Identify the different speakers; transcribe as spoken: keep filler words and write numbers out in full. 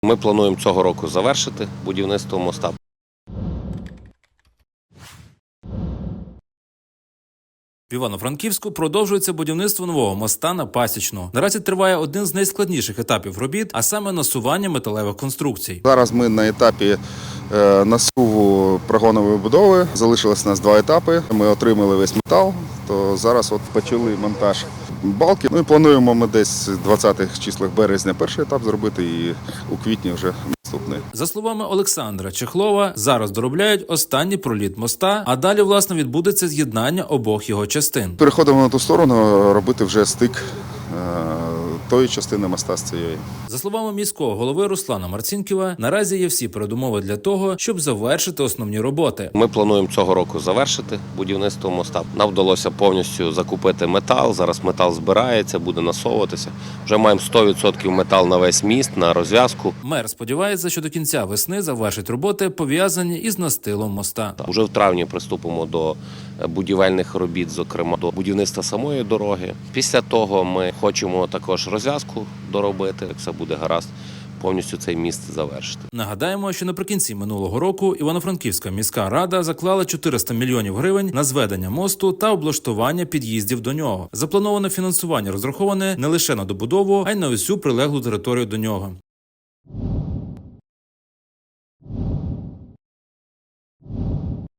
Speaker 1: Ми плануємо цього року завершити будівництво моста.
Speaker 2: В Івано-Франківську продовжується будівництво нового моста на Пасічну. Наразі триває один з найскладніших етапів робіт, а саме насування металевих конструкцій.
Speaker 3: Зараз ми на етапі насуву прогонової будови. Залишилось у нас два етапи. Ми отримали весь метал, то зараз от почали монтаж балки. Ну і плануємо ми десь в двадцятих числах березня перший етап зробити і у квітні вже наступний.
Speaker 2: За словами Олександра Чехлова, зараз доробляють останній проліт моста, а далі, власне, відбудеться з'єднання обох його частин.
Speaker 3: Переходимо на ту сторону, робити вже стик тої частини моста з цієї.
Speaker 2: За словами міського голови Руслана Марцінківа, наразі є всі передумови для того, щоб завершити основні роботи.
Speaker 1: Ми плануємо цього року завершити будівництво моста. Нам вдалося повністю закупити метал. Зараз метал збирається, буде насовуватися. Вже маємо сто відсотків метал на весь міст, на розв'язку.
Speaker 2: Мер сподівається, що до кінця весни завершить роботи, пов'язані із настилом моста.
Speaker 1: Уже в травні приступимо до будівельних робіт, зокрема до будівництва самої дороги. Після того ми хочемо також розв'язку доробити, як все буде гаразд, повністю цей міст завершити.
Speaker 2: Нагадаємо, що наприкінці минулого року Івано-Франківська міська рада заклала чотириста мільйонів гривень на зведення мосту та облаштування під'їздів до нього. Заплановане фінансування розраховане не лише на добудову, а й на усю прилеглу територію до нього.